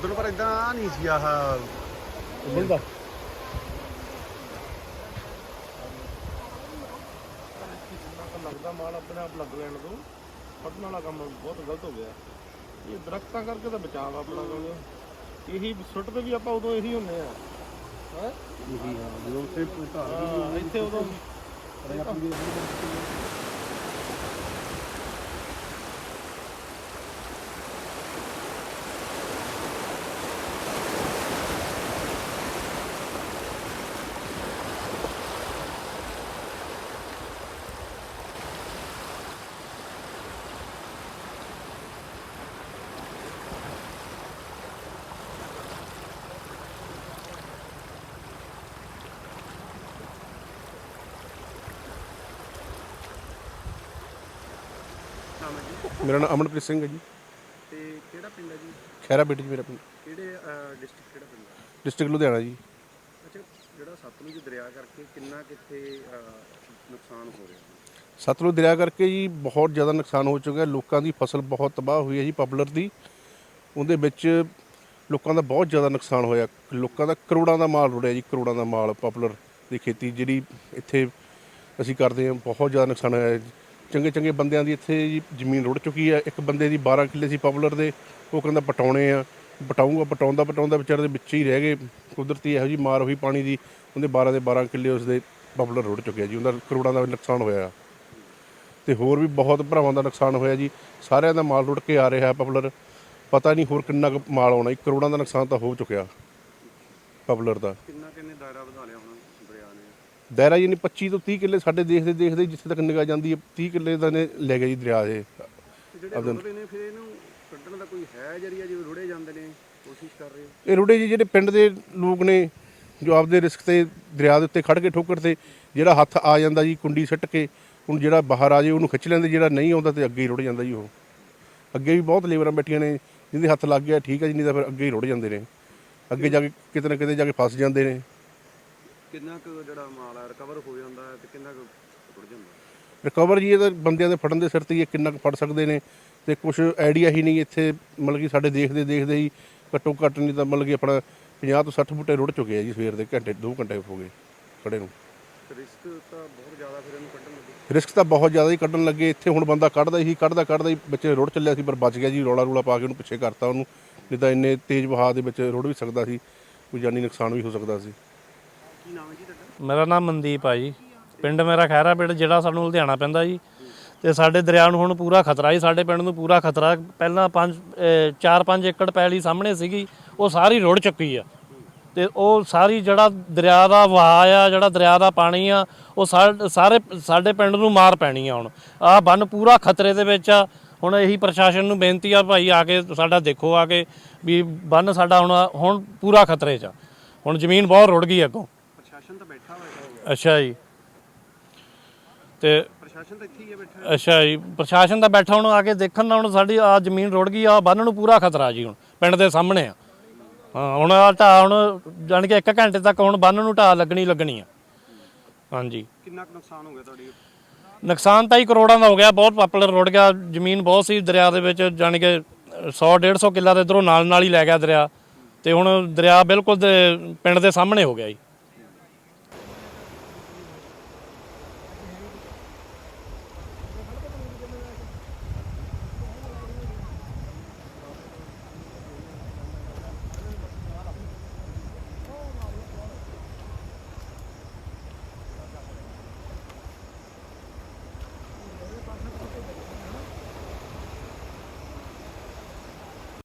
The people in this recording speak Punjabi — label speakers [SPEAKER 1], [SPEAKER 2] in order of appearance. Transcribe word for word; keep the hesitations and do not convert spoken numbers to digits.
[SPEAKER 1] ਉਦੋਂ ਪਰ ਇਦਾਂ ਨਹੀਂ ਸੀ ਆਹ ਮਿਲਦਾ।
[SPEAKER 2] ਲੱਗਦਾ ਮਾਲ ਆਪਣੇ ਆਪ ਲੱਗ ਲੈਣ ਤੋਂ ਫਟਣ ਵਾਲਾ ਕੰਮ ਬਹੁਤ ਗਲਤ ਹੋ ਗਿਆ। ਇਹ ਦਰਖਤਾਂ ਕਰਕੇ ਤਾਂ ਬਚਾਅ ਆਪਣਾ ਕੋਲ ਇਹੀ ਸੁੱਟ ਤੇ ਵੀ ਆਪਾਂ ਉਦੋਂ ਇਹੀ ਹੁੰਦੇ ਆ ਹੈ
[SPEAKER 1] ਜਦੋਂ
[SPEAKER 2] ਇੱਥੇ ਉਦੋਂ
[SPEAKER 3] मेरा नाम अमनप्रीत सिंह है जी।
[SPEAKER 1] ਤੇ ਕਿਹੜਾ ਪਿੰਡ ਹੈ ਜੀ?
[SPEAKER 3] खैरा बेटी जी मेरा पिंड,
[SPEAKER 1] ਕਿਹੜੇ ਡਿਸਟ੍ਰਿਕਟ ਕਿਹੜਾ ਪਿੰਡ ਹੈ?
[SPEAKER 3] डिस्ट्रिक्ट लुधियाना जी।
[SPEAKER 1] ਅੱਛਾ, ਜਿਹੜਾ ਸਤਲੁਜ ਦਰਿਆ ਕਰਕੇ ਕਿੰਨਾ ਕਿੱਥੇ ਨੁਕਸਾਨ ਹੋ ਰਿਹਾ?
[SPEAKER 3] ਸਤਲੁਜ ਦਰਿਆ ਕਰਕੇ ਜੀ ਬਹੁਤ ਜ਼ਿਆਦਾ ਨੁਕਸਾਨ ਹੋ ਚੁੱਕਾ। ਲੋਕਾਂ ਦੀ ਫਸਲ ਬਹੁਤ ਤਬਾਹ ਹੋਈ ਹੈ ਜੀ ਪਪੂਲਰ ਦੀ। ਉਹਦੇ ਵਿੱਚ ਲੋਕਾਂ ਦਾ ਬਹੁਤ ਜ਼ਿਆਦਾ ਨੁਕਸਾਨ ਹੋਇਆ। ਲੋਕਾਂ ਦਾ ਕਰੋੜਾਂ ਦਾ ਮਾਲ ਰੁੜਿਆ ਜੀ, ਕਰੋੜਾਂ ਦਾ ਮਾਲ ਪਪੂਲਰ ਦੀ ਖੇਤੀ ਜਿਹੜੀ ਇੱਥੇ ਅਸੀਂ ਕਰਦੇ ਹਾਂ, ਬਹੁਤ ਜ਼ਿਆਦਾ ਨੁਕਸਾਨ ਹੋਇਆ। ਚੰਗੇ ਚੰਗੇ ਬੰਦਿਆਂ ਦੀ ਇੱਥੇ ਜੀ ਜ਼ਮੀਨ ਰੁੜ ਚੁੱਕੀ ਹੈ। ਇੱਕ ਬੰਦੇ ਦੀ ਬਾਰਾਂ ਕਿੱਲੇ ਸੀ ਪਪੂਲਰ ਦੇ, ਉਹ ਕਹਿੰਦਾ ਪਟਾਉਣੇ ਆ, ਪਟਾਊਂਗਾ, ਪਟਾਉਂਦਾ ਪਟਾਉਂਦਾ ਵਿਚਾਰੇ ਦੇ ਵਿੱਚ ਹੀ ਰਹਿ ਗਏ। ਕੁਦਰਤੀ ਇਹੋ ਜਿਹੀ ਮਾਰ ਹੋਈ ਪਾਣੀ ਦੀ, ਉਹਦੇ ਬਾਰਾਂ ਦੇ ਬਾਰਾਂ ਕਿੱਲੇ ਉਸਦੇ ਪਪੂਲਰ ਰੁੜ ਚੁੱਕਿਆ ਜੀ। ਉਹਦਾ ਕਰੋੜਾਂ ਦਾ ਨੁਕਸਾਨ ਹੋਇਆ ਤੇ ਹੋਰ ਵੀ ਬਹੁਤ ਭਰਾਵਾਂ ਦਾ ਨੁਕਸਾਨ ਹੋਇਆ ਜੀ। ਸਾਰਿਆਂ ਦਾ ਮਾਲ ਰੁੜ ਕੇ ਆ ਰਿਹਾ ਪਪੂਲਰ, ਪਤਾ ਨਹੀਂ ਹੋਰ ਕਿੰਨਾ ਕੁ ਮਾਲ ਆਉਣਾ ਜੀ। ਕਰੋੜਾਂ ਦਾ ਨੁਕਸਾਨ ਤਾਂ ਹੋ ਚੁੱਕਿਆ ਪਪੂਲਰ ਦਾ।
[SPEAKER 1] ਕਿੰਨਾ ਕਿੰਨੇ ਦਾਇਰਾ ਵਧਾ ਲਿਆ ਹੁਣ ਦਰਿਆ ਨੇ?
[SPEAKER 3] ਦਾਇਰਾ ਜੀ ਨੇ ਪੱਚੀ ਤੋਂ ਤੀਹ ਕਿੱਲੇ ਸਾਡੇ ਦੇਖਦੇ ਦੇਖਦੇ ਜਿੱਥੇ ਤੱਕ ਨਿਗਾਹ ਜਾਂਦੀ ਹੈ ਤੀਹ ਕਿੱਲੇ ਦਾ ਨੇ ਲੈ ਗਿਆ ਜੀ ਦਰਿਆ ਇਹ।
[SPEAKER 1] ਜਿਹੜੇ ਰੁੜਦੇ ਨੇ ਫਿਰ ਇਹਨੂੰ ਕੱਢਣ ਦਾ ਕੋਈ ਹੈ ਜਰੀਆ? ਜਿਵੇਂ ਰੁੜੇ ਜਾਂਦੇ ਨੇ, ਕੋਸ਼ਿਸ਼ ਕਰ ਰਹੇ ਹੋ?
[SPEAKER 3] ਇਹ ਰੁੜੇ ਜੀ ਜਿਹੜੇ ਪਿੰਡ ਦੇ ਲੋਕ ਨੇ ਜੋ ਆਪਦੇ ਰਿਸਕ ਤੇ ਦਰਿਆ ਦੇ ਉੱਤੇ ਖੜ ਕੇ ਠੋਕਰ ਤੇ ਜਿਹੜਾ ਹੱਥ ਆ ਜਾਂਦਾ ਜੀ ਕੁੰਡੀ ਸੁੱਟ ਕੇ, ਹੁਣ ਜਿਹੜਾ ਬਾਹਰ ਆ ਜੇ ਉਹਨੂੰ ਖਿੱਚ ਲੈਂਦੇ, ਜਿਹੜਾ ਨਹੀਂ ਆਉਂਦਾ ਤੇ ਅੱਗੇ ਹੀ ਰੁੜ ਜਾਂਦਾ ਜੀ। ਉਹ ਅੱਗੇ ਵੀ ਬਹੁਤ ਲੇਬਰਾਂ ਬੈਠੀਆਂ ਨੇ ਜਿਹਦੇ ਹੱਥ ਲੱਗ ਗਿਆ ਠੀਕ ਹੈ ਜੀ, ਨਹੀਂ ਤਾਂ ਫਿਰ ਅੱਗੇ ਹੀ ਰੁੜ ਜਾਂਦੇ ਨੇ। ਅੱਗੇ ਜਾ ਕੇ ਕਿਤੇ ਨਾ ਕਿਤੇ ਜਾ ਕੇ ਫਸ ਜਾਂਦੇ ਨੇ।
[SPEAKER 1] ਕਿੰਨਾ ਕੁ ਜਿਹੜਾ ਮਾਲ ਆ ਰਿਕਵਰ ਹੋ ਜਾਂਦਾ ਹੈ ਤੇ ਕਿੰਨਾ ਕੁ ਰੁੜ ਜਾਂਦਾ?
[SPEAKER 3] ਰਿਕਵਰ ਜੀ ਇਹ ਤਾਂ ਬੰਦਿਆਂ ਦੇ ਫੜਨ ਦੇ ਸਿਰ ਤੇ ਹੀ ਕਿੰਨਾ ਕੁ ਫੜ ਸਕਦੇ ਨੇ ਤੇ ਕੁਛ ਆਈਡੀਆ ਹੀ ਨਹੀਂ ਇੱਥੇ। ਮਤਲਬ ਕਿ ਸਾਡੇ ਦੇਖਦੇ ਦੇਖਦੇ ਹੀ ਘੱਟੋ ਘੱਟ ਨਹੀਂ ਤਾਂ ਮਤਲਬ ਕਿ ਆਪਣਾ ਪੰਜਾਹ ਤੋਂ ਸੱਠ ਬੂਟੇ ਰੁੜ ਚੁੱਕੇ ਆ ਜੀ ਸਵੇਰ ਦੇ, ਘੰਟੇ ਦੋ ਘੰਟੇ ਹੋ ਗਏ ਖੜੇ ਨੂੰ।
[SPEAKER 1] ਰਿਸਕ ਤਾਂ ਬਹੁਤ ਜ਼ਿਆਦਾ ਫਿਰ ਇਹਨੂੰ ਕੱਢਣ ਲੱਗੇ।
[SPEAKER 3] ਰਿਸਕ ਤਾਂ ਬਹੁਤ ਜ਼ਿਆਦਾ ਹੀ ਕੱਢਣ ਲੱਗੇ। ਇੱਥੇ ਹੁਣ ਬੰਦਾ ਕੱਢਦਾ ਹੀ ਕੱਢਦਾ ਕੱਢਦਾ ਹੀ ਵਿੱਚ ਰੁੜ ਚੱਲਿਆ ਸੀ, ਪਰ ਬਚ ਗਿਆ ਜੀ। ਰੌਲਾ ਰੂਲਾ ਪਾ ਕੇ ਉਹਨੂੰ ਪਿੱਛੇ ਕਰਤਾ ਉਹਨੂੰ, ਨਹੀਂ ਤਾਂ ਇੰਨੇ ਤੇਜ਼ ਵਹਾਅ ਦੇ ਵਿੱਚ ਰੁੜ ਵੀ ਸਕਦਾ ਸੀ, ਕੋਈ ਜਾਨੀ ਨੁਕਸਾਨ ਵੀ ਹੋ ਸਕਦਾ ਸੀ।
[SPEAKER 1] ਕੀ ਨਾਮ ਹੈ ਜੀ ਤੁਹਾਡਾ?
[SPEAKER 4] ਮੇਰਾ ਨਾਮ ਮਨਦੀਪ ਆ ਜੀ। ਪਿੰਡ ਮੇਰਾ ਖੈਰਾ ਪਿੰਡ, ਜਿਹੜਾ ਸਾਨੂੰ ਲੁਧਿਆਣਾ ਪੈਂਦਾ ਜੀ। ਤੇ ਸਾਡੇ ਦਰਿਆ ਨੂੰ ਹੁਣ ਪੂਰਾ ਖਤਰਾ ਜੀ, ਸਾਡੇ ਪਿੰਡ ਨੂੰ ਪੂਰਾ ਖਤਰਾ। ਪਹਿਲਾਂ ਪੰਜ ਚਾਰ ਪੰਜ ਏਕੜ ਪੈਲੀ ਸਾਹਮਣੇ ਸੀਗੀ, ਉਹ ਸਾਰੀ ਰੁੜ ਚੁੱਕੀ ਆ। ਤੇ ਉਹ ਸਾਰੀ ਜਿਹੜਾ ਦਰਿਆ ਦਾ ਵਹਾਅ ਆ, ਜਿਹੜਾ ਦਰਿਆ ਦਾ ਪਾਣੀ ਆ, ਉਹ ਸਾਰੇ ਸਾਡੇ ਪਿੰਡ ਨੂੰ ਮਾਰ ਪੈਣੀ ਆ। ਹੁਣ ਆਹ ਬੰਨ ਪੂਰਾ ਖਤਰੇ ਦੇ ਵਿੱਚ ਆ। ਹੁਣ ਇਹੀ ਪ੍ਰਸ਼ਾਸਨ ਨੂੰ ਬੇਨਤੀ ਆ, ਭਾਈ ਆ ਕੇ ਸਾਡਾ ਦੇਖੋ ਆ ਕੇ ਵੀ ਬੰਨ ਸਾਡਾ ਹੁਣ ਹੁਣ ਪੂਰਾ ਖਤਰੇ 'ਚ ਆ। ਹੁਣ ਜ਼ਮੀਨ ਬਹੁਤ ਰੁੜ ਗਈ ਅੱਗੋਂ।
[SPEAKER 1] ਪ੍ਰਸ਼ਾਸਨ ਤਾਂ ਬੈਠਾ ਹੋਇਆ?
[SPEAKER 4] ਅੱਛਾ ਜੀ। ਤੇ
[SPEAKER 1] ਪ੍ਰਸ਼ਾਸਨ ਤਾਂ ਇੱਥੇ ਹੀ ਹੈ ਬੈਠਾ?
[SPEAKER 4] ਅੱਛਾ ਜੀ, ਪ੍ਰਸ਼ਾਸਨ ਦਾ ਬੈਠਾ ਹੁਣ ਆ ਕੇ ਦੇਖਣ ਨਾਲ। ਹੁਣ ਸਾਡੀ ਆ ਜ਼ਮੀਨ ਰੁੜ ਗਈ ਆ, ਬੰਨ ਨੂੰ ਪੂਰਾ ਖਤਰਾ ਜੀ। ਹੁਣ ਪਿੰਡ ਦੇ ਸਾਹਮਣੇ ਆ। ਹਾਂ, ਹੁਣ ਆ ਢਾਹ ਹੁਣ ਜਾਣ ਕੇ ਇੱਕ ਘੰਟੇ ਤੱਕ ਹੁਣ ਬੰਨ ਨੂੰ ਢਾਹ ਲੱਗਣੀ ਲੱਗਣੀ ਆ। ਹਾਂਜੀ।
[SPEAKER 1] ਕਿੰਨਾ ਕੁ ਨੁਕਸਾਨ ਹੋ ਗਿਆ ਤੁਹਾਡੀ?
[SPEAKER 4] ਨੁਕਸਾਨ ਤਾਂ ਹੀ ਕਰੋੜਾਂ ਦਾ ਹੋ ਗਿਆ। ਬਹੁਤ ਪਪੂਲਰ ਰੁੜ ਗਿਆ, ਜ਼ਮੀਨ ਬਹੁਤ ਸੀ ਦਰਿਆ ਦੇ ਵਿੱਚ, ਜਾਣੀ ਕਿ ਸੌ ਡੇਢ ਸੌ ਕਿੱਲਾ ਦੇ ਇੱਧਰੋਂ ਨਾਲ ਨਾਲ ਹੀ ਲੈ ਗਿਆ ਦਰਿਆ। ਤੇ ਹੁਣ ਦਰਿਆ ਬਿਲਕੁਲ ਪਿੰਡ ਦੇ ਸਾਹਮਣੇ ਹੋ ਗਿਆ ਜੀ।